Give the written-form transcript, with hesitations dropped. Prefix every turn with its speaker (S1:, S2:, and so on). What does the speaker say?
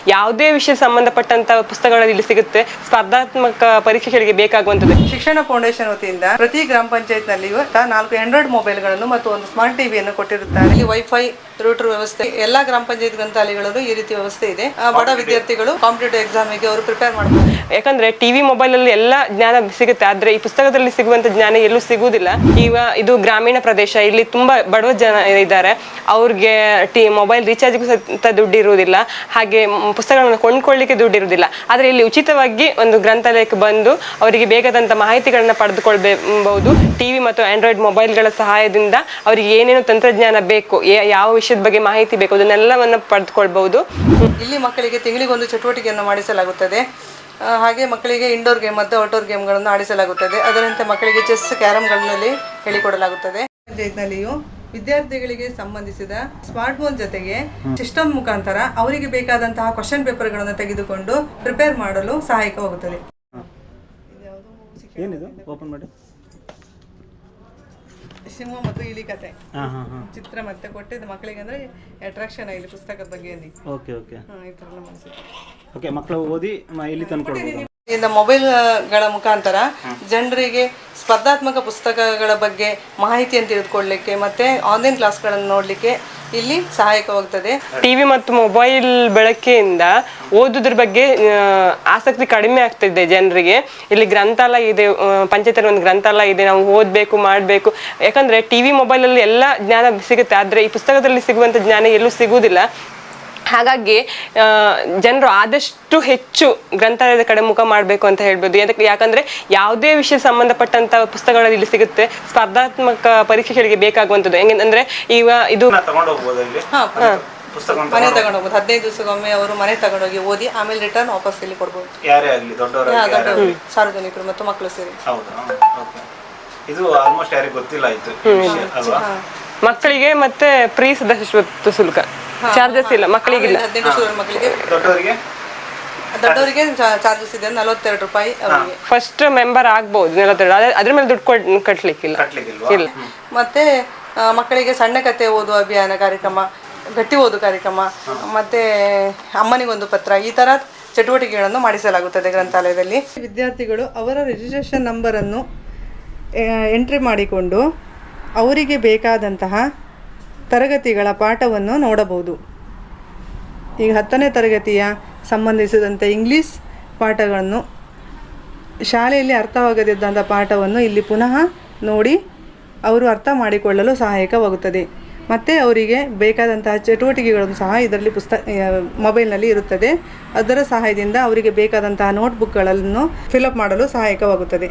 S1: ಯಾವುದೇ ವಿಷಯ ಸಂಬಂಧಪಟ್ಟಂತ ಪುಸ್ತಕಗಳು ಇಲ್ಲಿ ಸಿಗುತ್ತೆ. ಸ್ಪರ್ಧಾತ್ಮಕ ಪರೀಕ್ಷೆಗಳಿಗೆ ಬೇಕಾಗುವಂತದ್ದು.
S2: ಶಿಕ್ಷಣ ಫೌಂಡೇಶನ್ ವತಿಯಿಂದ ಪ್ರತಿ ಗ್ರಾಮ ಪಂಚಾಯತ್ ನಲ್ಲಿ 4 ಆಂಡ್ರಾಯ್ಡ್ ಮೊಬೈಲ್ಗಳನ್ನು ಮತ್ತು ಒಂದು ಸ್ಮಾರ್ಟ್ ಟಿವಿಯನ್ನು ಕೊಟ್ಟಿರುತ್ತಾರೆ. ಇಲ್ಲಿ ವೈಫೈ ರೂಟರ್ ವ್ಯವಸ್ಥೆ ಎಲ್ಲಾ ಗ್ರಾಮ ಪಂಚಾಯತ್ ಗ್ರಂಥಾಲಯಗಳಲ್ಲೂ ಈ ರೀತಿ ವ್ಯವಸ್ಥೆ ಇದೆ. ಬಡ ವಿದ್ಯಾರ್ಥಿಗಳು ಕಾಂಪಿಟೇಟಿವ್ ಎಕ್ಸಾಮಿಗೆ ಅವರು ಪ್ರಿಪೇರ್ ಮಾಡಬಹುದು.
S1: ಯಾಕಂದ್ರೆ ಟಿವಿ ಮೊಬೈಲ್ ಅಲ್ಲಿ ಎಲ್ಲ ಜ್ಞಾನ ಸಿಗುತ್ತೆ, ಆದ್ರೆ ಈ ಪುಸ್ತಕದಲ್ಲಿ ಸಿಗುವಂತ ಜ್ಞಾನ ಎಲ್ಲೂ ಸಿಗುವುದಿಲ್ಲ. ಈಗ ಇದು ಗ್ರಾಮೀಣ ಪ್ರದೇಶ, ಇಲ್ಲಿ ತುಂಬಾ ಬಡವ ಜನ ಇದ್ದಾರೆ, ಅವ್ರಿಗೆ ಮೊಬೈಲ್ ರೀಚಾರ್ಜ್ಗೂ ಸಹಿತ ದುಡ್ಡು ಇರುವುದಿಲ್ಲ, ಹಾಗೆ ಪುಸ್ತಕಗಳನ್ನು ಕೊಂಡ್ಕೊಳ್ಳಿಕ್ಕೆ ದುಡ್ಡು ಇರುವುದಿಲ್ಲ. ಆದ್ರೆ ಇಲ್ಲಿ ಉಚಿತವಾಗಿ ಒಂದು ಗ್ರಂಥಾಲಯಕ್ಕೆ ಬಂದು ಅವರಿಗೆ ಬೇಕಾದಂತ ಮಾಹಿತಿಗಳನ್ನ ಪಡೆದುಕೊಳ್ಬಹುದು. ಟಿವಿ ಮತ್ತು ಆಂಡ್ರಾಯ್ಡ್ ಮೊಬೈಲ್ಗಳ ಸಹಾಯದಿಂದ ಅವರಿಗೆ ಏನೇನು ತಂತ್ರಜ್ಞಾನ ಬೇಕು, ಯಾವ ವಿಷಯದ ಬಗ್ಗೆ ಮಾಹಿತಿ ಬೇಕು, ಅದನ್ನೆಲ್ಲವನ್ನ ಪಡೆದುಕೊಳ್ಬಹುದು.
S2: ಇಲ್ಲಿ ಮಕ್ಕಳಿಗೆ ತಿಂಗಳಿಗೊಂದು ಚಟುವಟಿಕೆಯನ್ನು ಮಾಡಿಸಲಾಗುತ್ತದೆ. ಹಾಗೆ ಮಕ್ಕಳಿಗೆ ಇಂಡೋರ್ ಗೇಮ್ ಮತ್ತು ಔಟ್ಡೋರ್ ಗೇಮ್ಗಳನ್ನು ಆಡಿಸಲಾಗುತ್ತದೆ. ಅದರಂತೆ ಮಕ್ಕಳಿಗೆ ಚೆಸ್, ಕ್ಯಾರಮ್ಗಳಲ್ಲಿ ಹೇಳಿಕೊಡಲಾಗುತ್ತದೆ. ಪಂಚಾಯತ್ನಲ್ಲಿಯೂ ವಿದ್ಯಾರ್ಥಿಗಳಿಗೆ ಸಂಬಂಧಿಸಿದ ಸ್ಮಾರ್ಟ್ ಫೋನ್ ಜೊತೆಗೆ ಸಿಸ್ಟಮ್ ಮುಖಾಂತರ ಅವರಿಗೆ ಬೇಕಾದಂತಹ ಕ್ವಶನ್ ಪೇಪರ್ಗಳನ್ನು ತೆಗೆದುಕೊಂಡು ಪ್ರಿಪೇರ್ ಮಾಡಲು ಸಹಾಯಕವಾಗುತ್ತದೆ. ಸಿಂಹ ಮತ್ತು ಇಲಿ ಕತೆ ಚಿತ್ರ ಮತ್ತೆ ಕೊಟ್ಟಿದ್ದು ಮಕ್ಕಳಿಗೆ ಅಂದ್ರೆ ಅಟ್ರಾಕ್ಷನ್ ಆಗಿದೆ ಪುಸ್ತಕದ ಬಗ್ಗೆ.
S3: ಮಕ್ಕಳು ಓದಿ ಇಲ್ಲಿ ತಂದ್ಕೊಡ್ಬೋದು.
S2: ಮೊಬೈಲ್ಗಳ ಮುಖಾಂತರ ಜನರಿಗೆ ಸ್ಪರ್ಧಾತ್ಮಕ ಪುಸ್ತಕಗಳ ಬಗ್ಗೆ ಮಾಹಿತಿಯನ್ನು ತಿಳಿದುಕೊಳ್ಳಲಿಕ್ಕೆ ಮತ್ತೆ ಆನ್ಲೈನ್ ಕ್ಲಾಸ್ಗಳನ್ನು ನೋಡಲಿಕ್ಕೆ ಇಲ್ಲಿ ಸಹಾಯಕವಾಗುತ್ತದೆ.
S1: ಟಿವಿ ಮತ್ತು ಮೊಬೈಲ್ ಬಳಕೆಯಿಂದ ಓದುದ್ರ ಬಗ್ಗೆ ಆಸಕ್ತಿ ಕಡಿಮೆ ಆಗ್ತಿದೆ ಜನರಿಗೆ. ಇಲ್ಲಿ ಗ್ರಂಥಾಲಯ ಇದೆ, ಪಂಚಾಯತಲ್ಲಿ ಒಂದು ಗ್ರಂಥಾಲಯ ಇದೆ, ನಾವು ಓದಬೇಕು ಮಾಡಬೇಕು. ಯಾಕಂದ್ರೆ ಟಿವಿ ಮೊಬೈಲ್ ಅಲ್ಲಿ ಎಲ್ಲ ಜ್ಞಾನ ಸಿಗುತ್ತೆ, ಆದ್ರೆ ಈ ಪುಸ್ತಕದಲ್ಲಿ ಸಿಗುವಂತ ಜ್ಞಾನ ಎಲ್ಲೂ ಸಿಗುವುದಿಲ್ಲ. ಹಾಗಾಗಿ ಜನರು ಆದಷ್ಟು ಹೆಚ್ಚು ಗ್ರಂಥಾಲಯದ ಕಡೆ ಮುಖ ಮಾಡಬೇಕು ಅಂತ ಹೇಳ್ಬೋದು. ಯಾಕಂದ್ರೆ ಯಾವುದೇ ವಿಷಯ ಸಂಬಂಧಪಟ್ಟಂತ ಪುಸ್ತಕಗಳು ಇಲ್ಲಿ ಸಿಗುತ್ತೆ. ಸ್ಪರ್ಧಾತ್ಮಕ ಪರೀಕ್ಷೆಗಳಿಗೆ ಬೇಕಾಗುವಂಥದ್ದು ಹೆಂಗಂದ್ರೆ ಈಗ ಇದು
S2: ಮನೆ ತಗೊಂಡು ಹೋಗ್ಬೋದು. 15 ದಿವಸಕ್ಕೊಮ್ಮೆ ಅವರು ಮನೆ ತಗೊಂಡೋಗಿ ಓದಿ ಆಮೇಲೆ ರಿಟರ್ನ್ ವಾಪಸ್ ಇಲ್ಲಿ ಕೊಡ್ಬೋದು. ಸಾರ್ವಜನಿಕರು ಮತ್ತು ಮಕ್ಕಳು ಸೇರಿ.
S3: ಇದು ಆಲ್ಮೋಸ್ಟ್ ಯಾರಿಗೂ ಗೊತ್ತಿಲ್ಲ ಇತ್ತು ಅಲ್ವಾ?
S1: ಮಕ್ಕಳಿಗೆ ಮತ್ತೆ ಫ್ರೀ ಸದಸ್ಯತ್ವ ಶುಲ್ಕ, ಚಾರ್ಜಸ್ ಇಲ್ಲ ಮಕ್ಕಳಿಗಿಲ್ಲ.
S2: 15 ವರ್ಷದ ಮಕ್ಕಳಿಗೆ, ದೊಡ್ಡವರಿಗೆ ಚಾರ್ಜಸ್ ಇದೆ 42 ರೂಪಾಯಿ ಅವರಿಗೆ.
S1: ಫಸ್ಟ್ ಮೆಂಬರ್ ಆಗ್ಬಹುದು 42, ಅದ್ರ ಮೇಲೆ ದುಡ್ಡು ಕಟ್ಲಿಕ್ಕಿಲ್ಲ. ಇಲ್ಲ.
S2: ಮತ್ತೆ ಮಕ್ಕಳಿಗೆ ಸಣ್ಣ ಕತೆ ಓದುವ ಅಭಿಯಾನ ಕಾರ್ಯಕ್ರಮ, ಗಟ್ಟಿ ಓದು ಕಾರ್ಯಕ್ರಮ, ಮತ್ತೆ ಅಮ್ಮನಿಗೊಂದು ಪತ್ರ, ಈ ತರ ಚಟುವಟಿಕೆಗಳನ್ನು ಮಾಡಿಸಲಾಗುತ್ತದೆ ಗ್ರಂಥಾಲಯದಲ್ಲಿ. ವಿದ್ಯಾರ್ಥಿಗಳು ಅವರ ರಿಜಿಸ್ಟ್ರೇಷನ್ ನಂಬರನ್ನು ಎಂಟ್ರಿ ಮಾಡಿಕೊಂಡು ಅವರಿಗೆ ಬೇಕಾದಂತಹ ತರಗತಿಗಳ ಪಾಠವನ್ನು ನೋಡಬಹುದು. ಈಗ 10ನೇ ತರಗತಿಯ ಸಂಬಂಧಿಸಿದಂತೆ ಇಂಗ್ಲೀಷ್ ಪಾಠಗಳನ್ನು, ಶಾಲೆಯಲ್ಲಿ ಅರ್ಥವಾಗದಿದ್ದಂಥ ಪಾಠವನ್ನು ಇಲ್ಲಿ ಪುನಃ ನೋಡಿ ಅವರು ಅರ್ಥ ಮಾಡಿಕೊಳ್ಳಲು ಸಹಾಯಕವಾಗುತ್ತದೆ. ಮತ್ತು ಅವರಿಗೆ ಬೇಕಾದಂತಹ ಚಟುವಟಿಕೆಗಳನ್ನು ಸಹ ಇದರಲ್ಲಿ ಮೊಬೈಲ್ನಲ್ಲಿ ಇರುತ್ತದೆ. ಅದರ ಸಹಾಯದಿಂದ ಅವರಿಗೆ ಬೇಕಾದಂತಹ ನೋಟ್ಬುಕ್ಗಳನ್ನು ಫಿಲಪ್ ಮಾಡಲು ಸಹಾಯಕವಾಗುತ್ತದೆ.